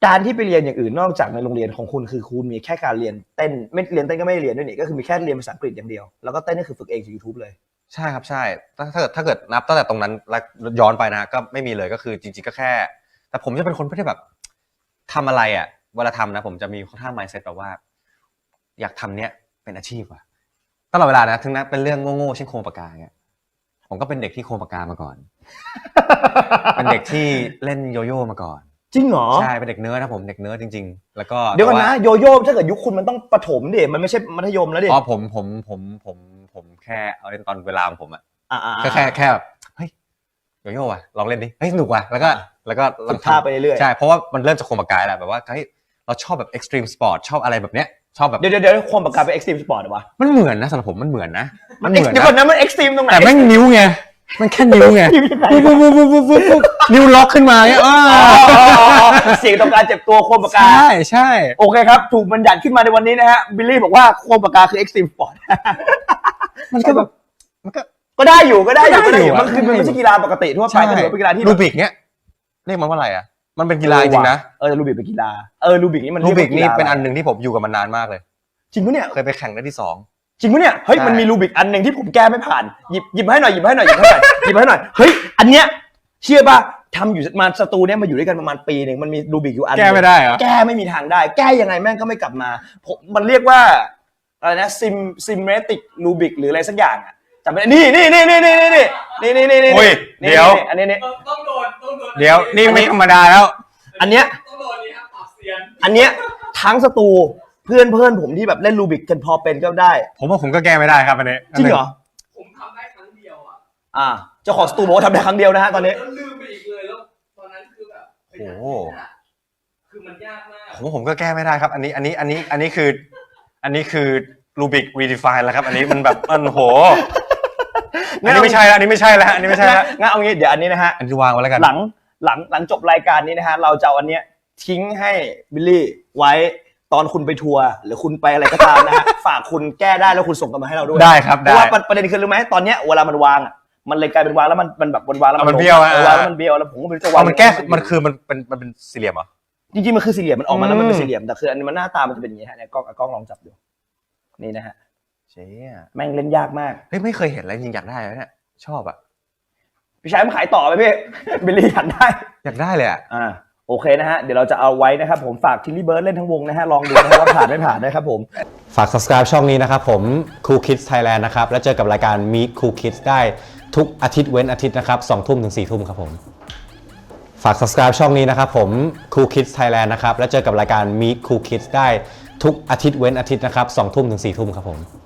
การที่ไปเรียนอย่างอื่นนอกจากในโรงเรียนของคุณคือคุณมีแค่การเรียนเต้นไม่เรียนเต้นก็ไม่เรียนด้วยนี่ก็คือมีแค่เรียนภาษาอังกฤษอย่างเดียวแล้วก็เต้นนี่คือฝึกเองจาก YouTube เลยใช่ครับใช่ถ้าเกิดนับตั้งแต่ตรงนั้นแล้วย้อนไปนะก็ไม่มีเลยก็คือจริงๆก็แค่แต่ผมจะเป็นคนไม่ได้แบบทำอะไรอ่ะเวลาทำนะผมจะมีค่อนข้าง mindset แบบว่าอยากทำเนี้ยเป็นอาชีพว่ะตลอดเวลานะถึงนั้นเป็นเรื่องโง่ๆเช่นโครงปากกาเงี้ยผมก็เป็นเด็กที่โครงปากกามาก่อน เป็นเด็กที่เล่นโยโย่มาก่อนจริงเหรอใช่เป็นเด็กเนิร์ดนะผมเด็กเนิร์ดจริงๆแล้วก็เดี๋ยวก่อนนะโยโย่ถ้าเกิดยุคคุณมันต้องประถมดิมันไม่ใช่มัธยมแล้วดิอ๋อผมแค่เอาเล่นตอนเวลาของผมอ่ะแค่แบบเฮ้ยโยโย่ว่ะลองเล่นดิเฮ้ยสนุกว่ะแล้วก็ฝึกท่าไปเรื่อยใช่เพราะว่ามันเริ่มจากโครงปากกาแหละแบบว่าเฮ้ยเราชอบแบบ extreme sport ชอบอะไรแบบเนี้ยชอบแบบเดี๋ยวโครงปากกาเป็น extreme sport เหรอวะมันเหมือนนะสำหรับผมมันเหมือนนะเดี๋ยวก่อนนะมัน extreme ตรงไหนแต่แม่งนิ้วไงมันแค่นิ้วไงปุ๊บนิ้วล็อกขึ้นมาเนี่ยเสียงต่อการเจ็บตัวโคมปากกาใช่โอเคครับถูกบัญญัติขึ้นมาในวันนี้นะฮะบิลลี่บอกว่าโคมปากกาคือ extreme sport มันก็แบบก็ได้อยู่มันคือมันไม่ใช่กีฬาปกติทั่วไปก็ถือว่าเป็นกีฬาที่รูบิกเนี้ยเรียกมันว่าอะไรอ่ะมันเป็นกีฬาจริงนะรูบิกเป็นกีฬารูบิกนี่มันรูบิกนี่เป็นอันนึงที่ผมอยู่กับมันนานมากเลยจริงปะเนี่ยเคยไปแข่งได้ที่2 จริงปะเนี่ยเฮ้ยมันมีรูบิกอันนึงที่ผมแก้ไม่ผ่านหยิบให้หน่อยเฮ้ยอันเนี้ยเชื่อป่ะทำอยู่มาสตูเนี่ยมาอยู่ด้วยกันประมาณปีนึงมันมีรูบิกอยู่อันแก้ไม่ได้เหรอแก้ไม่มีทางได้แก้ยังไงแม่งก็ไม่กลับมามันเรียกว่าอะไรนะซิมเมติกรูบิกหรืออะไรสักอย่างอ่ะจำไม่ได้นี่เดี๋ยวอันนี้ต้องโดนเดี๋ยวนี่ไม่ธรรมดาแล้วอันเนี้ยต้องโดนนี่ครับปรับเสียงอันเนี้ยทั้งสตูเพื่อนผมที่แบบเล่นรูบิกกันพอเป็นก็ได้ผมว่าผมก็แก้ไม่ได้ครับอันนี้จริงเหรอผมทำได้ครั้งเดียวอ่ะเจ้าของสตูบอกว่าทำได้ครั้งเดียวนะฮะตอนนี้แล้วลืมไปอีกเลยแล้วตอนนั้นคือแบบโอ้คือมันยากมากผมก็แก้ไม่ได้ครับอันนี้คือรูบิกรีดิฟายแล้วครับอันนี้มันแบบโหอันนี้ไม่ใช่แล้วงั้นเอางี้เดี๋ยวอันนี้นะฮะอันที่วางไว้แล้วกันหลังจบรายการนี้นะฮะเราจะเอาอันเนี้ยทิ้งให้บิลลี่ไว้ตอนคุณไปทัวร์หรือคุณไปอะไรก็ตามนะฮะฝากคุณแก้ได้แล้วคุณส่งกันมาให้เราด้วยได้ครับเพราะว่าประเด็นคือรู้ไหมตอนเนี้ยเวลามันวางอ่ะมันเลยกลายเป็นวางแล้วมันแบบวางแล้วมันเบี้ยววางแล้วมันเบี้ยวแล้วผมก็ไม่รู้จะวางมันแก้มันคือมันเป็นสี่เหลี่ยมเหรอจริงๆมันคือสี่เหลี่ยมมันออกมาแล้วมันเป็นสี่เหลี่ยมแต่คืออันนี้มันหน้าตามันจะเป็นอย่างงี้ฮะเนี่ยกล้องลองจับดูนี่นะฮะเจ๊แม่งเล่นยากมากเฮ้ยไม่เคยเห็นอะไรจริงอยากได้เลยเนี่ยชอบอ่ะพี่ชายมันขายต่อไปพี่บิลลี่อยากได้เลยอ่ะโอเคนะฮะเดี๋ยวเราจะเอาไว้นะครับผมฝากทิลลี่เบิร์ดเล่นทั้งวงนะฮะลองดูนะว่าผ่านไม่ผ่านนะครับผมฝาก subscribe ช่องนี้นะครับผม Cool Kids Thailand นะครับแล้วเจอกับรายการ Meet Cool Kids ได้ทุกอาทิตย์เว้นอาทิตย์นะครับ 20:00 ถึง 4:00 ครับผมฝาก subscribe ช่องนี้นะครับผม Cool Kids Thailand นะครับแล้วเจอกับรายการ Meet Cool Kids ได้ทุกอาทิตย์เว้นอาทิตย์นะครับ 20:00 ถึง 4:00 ครับผม